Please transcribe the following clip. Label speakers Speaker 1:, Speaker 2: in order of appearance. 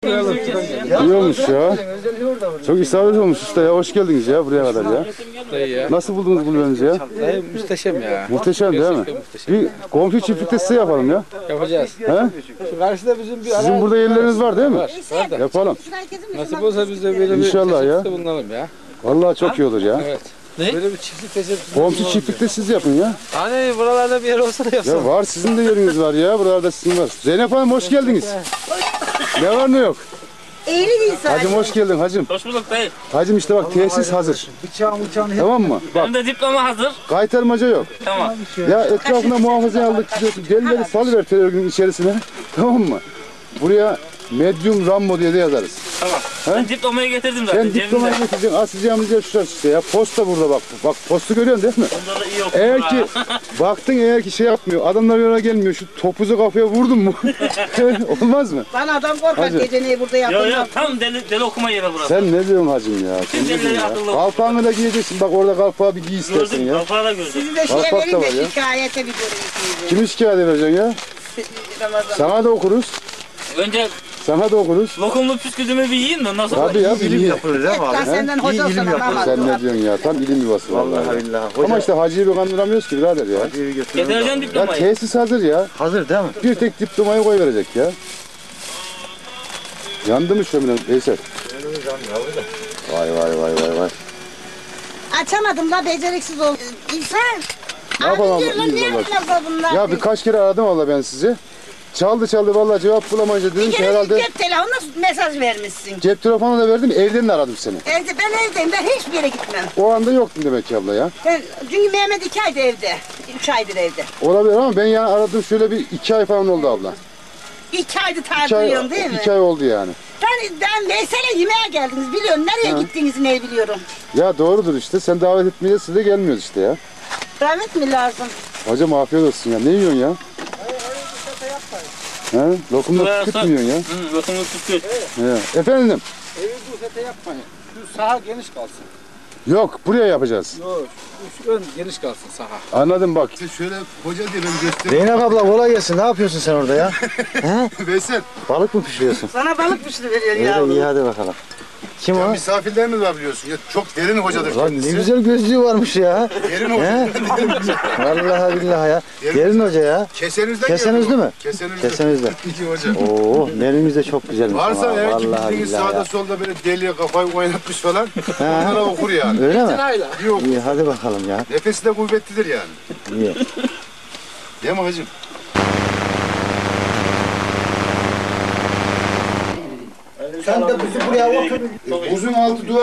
Speaker 1: İyi olmuş ya. Çok isabet olmuş usta ya. Hoş geldiniz ya buraya kadar ya. Nasıl buldunuz kulübenizi ya?
Speaker 2: Muhteşem ya.
Speaker 1: Muhteşem değil mi? Bir komşu çiftlikte size yapalım ya.
Speaker 2: Yapacağız.
Speaker 1: He?
Speaker 2: Şu karşıda bizim bir
Speaker 1: Sizin burada yerleriniz var değil mi?
Speaker 2: var da.
Speaker 1: Yapalım.
Speaker 2: Nasip olsa biz de böyle bir
Speaker 1: İnşallah ya.
Speaker 2: teşebbüste bulunalım ya.
Speaker 1: Vallahi çok iyi olur ya.
Speaker 2: Evet. Ne? Böyle bir çiftlik teşebbüsü.
Speaker 1: Komşu çiftlikte siz yapın ya.
Speaker 2: Hani buralarda bir yer olsa da yapsam.
Speaker 1: Ya var sizin de yeriniz var ya. Buralarda sizin var. Zeynep Hanım hoş geldiniz. Ne var ne yok?
Speaker 3: Eğri değil sadece.
Speaker 1: Hacım hoş geldin hacım.
Speaker 4: Hoş bulduk dayı.
Speaker 1: Hacım işte bak tesis hazır. Tamam mı? Bak
Speaker 4: Benim de diploma hazır.
Speaker 1: kaytarmaca yok.
Speaker 4: Tamam.
Speaker 1: Ya etrafına muhafaza aldık gidiyorsun. Delileri salıver terörün içerisine. Tamam mı? Buraya medium rambo diye de yazarız.
Speaker 4: Tamam. Ben diplomayı getirdim zaten.
Speaker 1: Sen diplomayı getireceksin. Asacağımız yer şurası işte ya. Posta burada bak. Bak postu görüyorsun değil mi?
Speaker 4: Onda da iyi okudum.
Speaker 1: Eğer ki baktın eğer ki şey yapmıyor. Adamlar yola gelmiyor. Şu topuzu kafaya vurdun mu? Olmaz mı?
Speaker 3: Bana adam korkar
Speaker 1: Hacı.
Speaker 3: geceneyi burada
Speaker 4: Yok
Speaker 3: yapamam.
Speaker 4: yok tam deli okuma yeri burası.
Speaker 1: Sen ne diyorsun hacım ya? Sen ne
Speaker 4: delileri
Speaker 1: diyorsun ya?
Speaker 4: akıllı.
Speaker 1: Kalpağını da giyeceksin. Bak orada kalpağı bir giy istersen
Speaker 4: Gördüm,
Speaker 1: ya.
Speaker 4: kafağı da gördüm.
Speaker 3: Sizi de şeye
Speaker 1: Bak, bak da
Speaker 3: verin
Speaker 1: var
Speaker 3: de
Speaker 1: ya.
Speaker 3: şikayete bir görün.
Speaker 1: Kimi şikayet edeceksin ya?
Speaker 3: Ramazan.
Speaker 1: Sana da okuruz.
Speaker 4: Önce
Speaker 1: Sana da okuruz.
Speaker 4: lokumlu püsküdümü bir yiyeyim de ondan sonra.
Speaker 1: Tabii ya. İlim
Speaker 5: Yapılır değil mi abi?
Speaker 3: Ben senden hoca olsam ama.
Speaker 1: Sen ne diyorsun ya? Tam ilim yuvası vallahi.
Speaker 5: Vallahi billahi. Hoca,
Speaker 1: Ama işte hacıyı bir kandıramıyoruz ki birader ya.
Speaker 5: hacıyı götürün.
Speaker 4: Getireceğim
Speaker 1: Ya
Speaker 4: diplomayı.
Speaker 1: tesis hazır ya.
Speaker 5: Hazır değil mi?
Speaker 1: Bir tek diplomayı koy verecek ya. Yandı mı şömine Veysel? Vay vay vay vay vay.
Speaker 3: Açamadım da beceriksiz oldum. İnsan.
Speaker 1: Ne yapalım
Speaker 3: Abi
Speaker 1: abla,
Speaker 3: diyorlar
Speaker 1: iyiyiz
Speaker 3: niye
Speaker 1: vallahi.
Speaker 3: bilmezler bunlar?
Speaker 1: Ya birkaç kere aradım valla ben sizi. Çaldı vallahi cevap bulamayınca dedim
Speaker 3: Bir
Speaker 1: ki
Speaker 3: kere
Speaker 1: herhalde
Speaker 3: cep telefonuna mesaj vermişsin.
Speaker 1: cep telefonu da verdim evden de aradım seni.
Speaker 3: Ben evdeyim, ben hiçbir yere gitmem.
Speaker 1: O anda yoktun demek ki abla ya.
Speaker 3: Çünkü Mehmet 2 aydır evde. 3 aydır evde.
Speaker 1: Olabilir ama ben yani aradım şöyle bir 2 ay falan oldu abla.
Speaker 3: 2 aydır
Speaker 1: 2 ay,
Speaker 3: tartılıyorum değil mi?
Speaker 1: 2 ay oldu yani.
Speaker 3: Ben Veysel'e yemeğe geldiniz biliyorum. Nereye gittiğinizi ne biliyorum.
Speaker 1: Ya doğrudur işte sen davet etmeyince siz de gelmiyoruz işte ya.
Speaker 3: Rahmet mi lazım?
Speaker 1: Hocam afiyet olsun ya. Ne yiyorsun ya? He? Lokumda tükürt mü yiyorsun ya?
Speaker 4: Hı, lokumlu püskü.
Speaker 1: He. Efendim?
Speaker 2: Evi bu sete yapmayın. Şu saha geniş kalsın.
Speaker 1: Yok buraya yapacağız.
Speaker 2: Yok şu ön geniş kalsın saha.
Speaker 1: Anladım bak.
Speaker 5: Şöyle hoca diye ben göstereyim. Zeynep abla kolay gelsin. Ne yapıyorsun sen orada ya?
Speaker 1: Veysel.
Speaker 5: Balık mı pişiriyorsun?
Speaker 3: Sana balık pişiri veriyor
Speaker 5: İyi,
Speaker 3: ya.
Speaker 5: iyi hadi bakalım. Kim o?
Speaker 1: Misafirlerimiz var biliyorsun. Ya çok derin hocadır
Speaker 5: Lan ne güzel gözlüğü varmış ya.
Speaker 1: Derin
Speaker 5: He? Vallahi billahi ya. Derin hoca ya.
Speaker 1: Kesenizden
Speaker 5: Kesenizli mi?
Speaker 1: Kesenizden.
Speaker 5: Kesenizde.
Speaker 1: İki hoca.
Speaker 5: Oo, menümüz de çok güzelmiş.
Speaker 1: Varsa
Speaker 5: ama,
Speaker 1: eğer ki
Speaker 5: vallahi
Speaker 1: bildiğiniz
Speaker 5: billahi
Speaker 1: sağda
Speaker 5: ya.
Speaker 1: solda böyle deliye kafayı oynatmış falan. Onlara okur yani.
Speaker 5: Öyle mi?
Speaker 1: Yok.
Speaker 5: İyi hadi bakalım ya.
Speaker 1: Nefesi de kuvvetlidir yani.
Speaker 5: İyi.
Speaker 1: Değil mi hacım?
Speaker 5: Sen de bizi buraya otur.
Speaker 1: Buzun altı duvar.